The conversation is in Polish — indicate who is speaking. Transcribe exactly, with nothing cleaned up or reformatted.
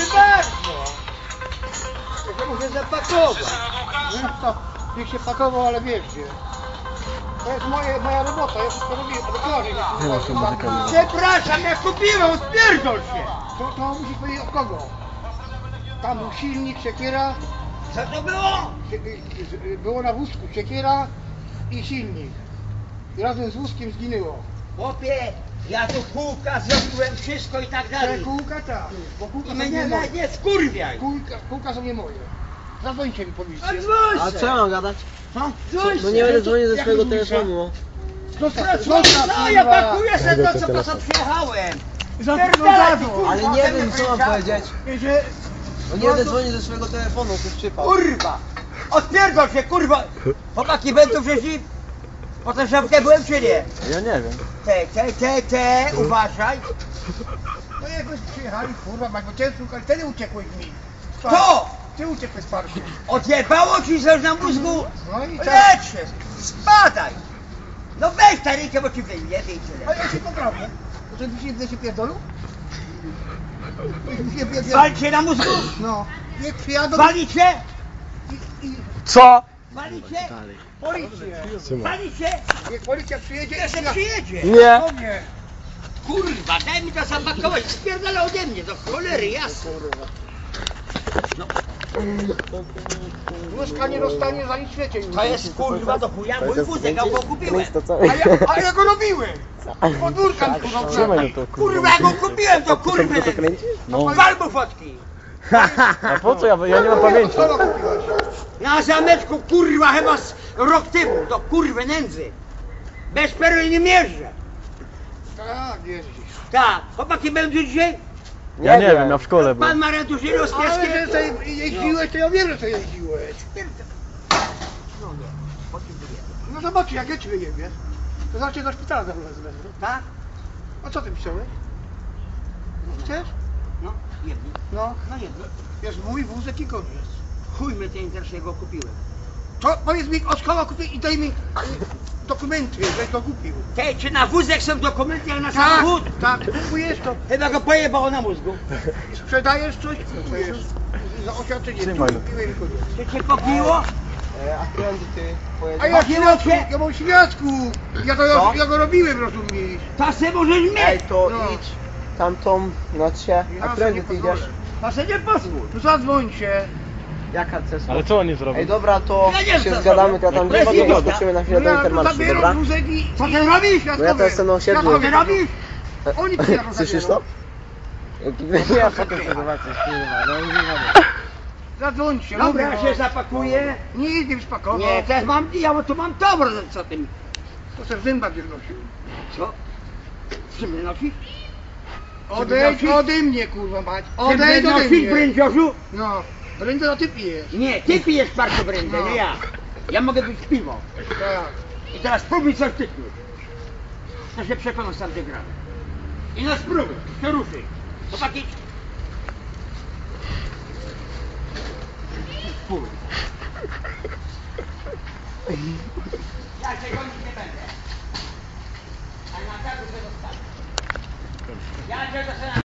Speaker 1: bardzo! Ja muszę zapakować.
Speaker 2: No to niech się pakował, ale wiesz gdzie. To jest moje, moja robota, ja wszystko robię, dokładnie.
Speaker 1: Przepraszam, ja kupiłem, spierdol się!
Speaker 2: To, to musisz powiedzieć od kogo? Tam był silnik, siekiera.
Speaker 1: Co to było?
Speaker 2: Sie- Było na wózku siekiera i silnik. I razem z wózkiem zginęło.
Speaker 1: Chłopie, ja tu kółka zrobiłem, wszystko i tak
Speaker 2: Te
Speaker 1: dalej.
Speaker 2: kółka tak, bo kółka
Speaker 1: I
Speaker 2: są
Speaker 1: mnie
Speaker 2: nie
Speaker 1: nie,
Speaker 2: moje.
Speaker 1: nie skurwiaj.
Speaker 2: Kółka, kółka są nie moje. Zadzwońcie mi policję.
Speaker 1: A dzwoń
Speaker 3: A
Speaker 1: se.
Speaker 3: co ja mam gadać?
Speaker 1: Co? Dzwoń
Speaker 3: No
Speaker 1: se.
Speaker 3: nie będę dzwonił ze
Speaker 2: Jak
Speaker 3: swojego
Speaker 2: mówisz,
Speaker 3: telefonu.
Speaker 2: Zostaw,
Speaker 1: No,
Speaker 2: zostaw,
Speaker 1: no ja
Speaker 2: kurwa.
Speaker 1: pakuję se to, co po co przyjechałem.
Speaker 2: Za-
Speaker 1: Pierdolę,
Speaker 2: za-
Speaker 1: ty, kurwa,
Speaker 3: Ale nie
Speaker 1: ze
Speaker 3: wiem
Speaker 1: mnie
Speaker 3: co mam
Speaker 1: wyjechałeś.
Speaker 3: powiedzieć.
Speaker 2: Że...
Speaker 3: No nie będę dzwonił ze swojego telefonu, to jest przypał.
Speaker 1: Kurwa! Odpierdol się, kurwa! Chłopaki będą wcześniej... Po tę szafkę byłem czy nie?
Speaker 3: Ja nie wiem.
Speaker 1: Te, te, te, te, uważaj!
Speaker 2: No jakoś przyjechali, kurwa, bo cię szukali, wtedy uciekłeś mi.
Speaker 1: Kto?
Speaker 2: Ty uciekłeś z parku.
Speaker 1: Odjebało ci coś na mózgu?
Speaker 2: No i co?
Speaker 1: Lecz się! Spadaj! No weź ta rękę, bo ci wyjebie i
Speaker 2: A
Speaker 1: tyle.
Speaker 2: ja się poprawię. Że ty się, ty się pierdolu? Ty się pierdolu?
Speaker 1: Walcie na mózgu?
Speaker 2: No. Niech przyjadą
Speaker 1: Walicie?
Speaker 2: i, i
Speaker 3: Co?
Speaker 1: Walicie?
Speaker 2: policję.
Speaker 1: Walicie?
Speaker 2: Niech policja przyjedzie
Speaker 1: Jeszcze
Speaker 2: i na...
Speaker 1: przyjedzie!
Speaker 3: Nie.
Speaker 2: Do mnie.
Speaker 1: Kurwa, daj mi to zapakować, spierdala ode mnie, do cholery, jasno. No,
Speaker 2: Wózka nie dostanie za nic w świecie.
Speaker 1: to jest kurwa do chuja mój wózek, ja go kupiłem.
Speaker 2: A ja, a ja go robiłem. Podwórka mi kurwa.
Speaker 3: Trzymaj to,
Speaker 1: Kurwa, ja go kupiłem, to kurwa.
Speaker 3: No.
Speaker 1: Wal mu fotki.
Speaker 3: A po co ja, ja nie mam pamięci.
Speaker 2: Co kupiłeś?
Speaker 1: Na zameczku, kurwa, chyba z rok temu, do kurwy nędzy. Bez perły nie mierzę.
Speaker 2: Tak, jeździsz.
Speaker 1: Tak, chłopaki będą dzisiaj?
Speaker 3: Ja nie wiem, ja w szkole
Speaker 1: Pan
Speaker 3: byłem.
Speaker 1: ma rentużylo z
Speaker 2: Ale że
Speaker 1: pieskiem?
Speaker 2: sobie jeździłeś, to ja wiem, że sobie jeździłeś.
Speaker 1: No nie, potrzebuję.
Speaker 2: No zobaczcie, jak ja ci wyjebię. To znaczy do szpitala za chwilę zwezmę.
Speaker 1: Tak?
Speaker 2: A co ty pisałeś? Chcesz?
Speaker 1: No, jedni.
Speaker 2: No.
Speaker 1: No jedni.
Speaker 2: Jest mój wózek i koniec.
Speaker 1: Chuj mnie ten interesuje, go kupiłem.
Speaker 2: To powiedz mi, od kogo kupię i daj mi y, dokumenty, żeś go kupił.
Speaker 1: Tej, czy na wózek są dokumenty, jak na
Speaker 2: Tak,
Speaker 1: samochód?
Speaker 2: tak, kupujesz to.
Speaker 1: Chyba go pojebało na mózgu.
Speaker 2: Sprzedajesz coś, kupujesz. Za oświadczenie.
Speaker 3: Trzymaj.
Speaker 2: Tu kupiłem i koniec.
Speaker 1: Czy cię pobiło?
Speaker 3: A prędzej ty
Speaker 2: A
Speaker 3: pojedziesz.
Speaker 2: ja
Speaker 1: Pobiło
Speaker 2: świadku,
Speaker 1: cię?
Speaker 2: ja mam świadku. Ja to
Speaker 3: Co?
Speaker 2: ja go robiłem, rozumiesz?
Speaker 1: To se możesz
Speaker 3: Ej,
Speaker 1: mieć.
Speaker 3: to
Speaker 2: No.
Speaker 3: idź tamtą na się.
Speaker 2: Ja
Speaker 3: A
Speaker 2: sobie
Speaker 3: prędzej
Speaker 2: nie
Speaker 3: ty
Speaker 2: pozwolę.
Speaker 3: idziesz.
Speaker 1: To se nie pozwól.
Speaker 2: No zadzwońcie.
Speaker 3: Jaka cesla?
Speaker 4: Ale co oni zrobią?
Speaker 3: Ej, dobra, to
Speaker 1: Ja nie wiem,
Speaker 3: się
Speaker 1: co
Speaker 3: zgadamy,
Speaker 1: zrobią.
Speaker 3: to ja tam
Speaker 1: To jest
Speaker 3: gdzie
Speaker 1: idiota.
Speaker 3: skoczymy na
Speaker 2: No
Speaker 3: chwilę do
Speaker 2: ja
Speaker 3: Intermarszu,
Speaker 2: zabieram
Speaker 3: dobra?
Speaker 2: wózek i...
Speaker 1: Co ty robisz?
Speaker 3: Bo ja to jestem na osiedlu.
Speaker 1: Co ty robisz?
Speaker 2: Oni przyjadą.
Speaker 3: Słyszysz to? Ja potem sobie zobaczę, kurwa, no nie wiem.
Speaker 2: Zadzwońcie.
Speaker 1: Dobra, ja
Speaker 2: mówię,
Speaker 1: się zapakuję.
Speaker 2: Nic nie spakował.
Speaker 1: Nie, teraz mam, ja tu mam dobro, co ty mi...
Speaker 2: To se w zębach nie wnosił.
Speaker 1: Co? Czy mnie nosisz?
Speaker 2: Odejdź
Speaker 1: nosisz?
Speaker 2: ode mnie, kurwa mać.
Speaker 1: Czy mnie
Speaker 2: Odejdź ode
Speaker 1: nosisz,
Speaker 2: mnie.
Speaker 1: brędziorzu?
Speaker 2: No. Brędę to ty pijesz.
Speaker 1: Nie, ty pijesz parku brędzę,
Speaker 2: No.
Speaker 1: nie ja. Ja mogę być piwo.
Speaker 2: Tak.
Speaker 1: I teraz spróbuj coś tyknąć. To się przekonam sam gdzie gramy. I no spróbuj, to ruszy. Chłopaki. Spróbuj. Ja się gonić nie będę. A na targu się dostanę. Ja cię dostanę.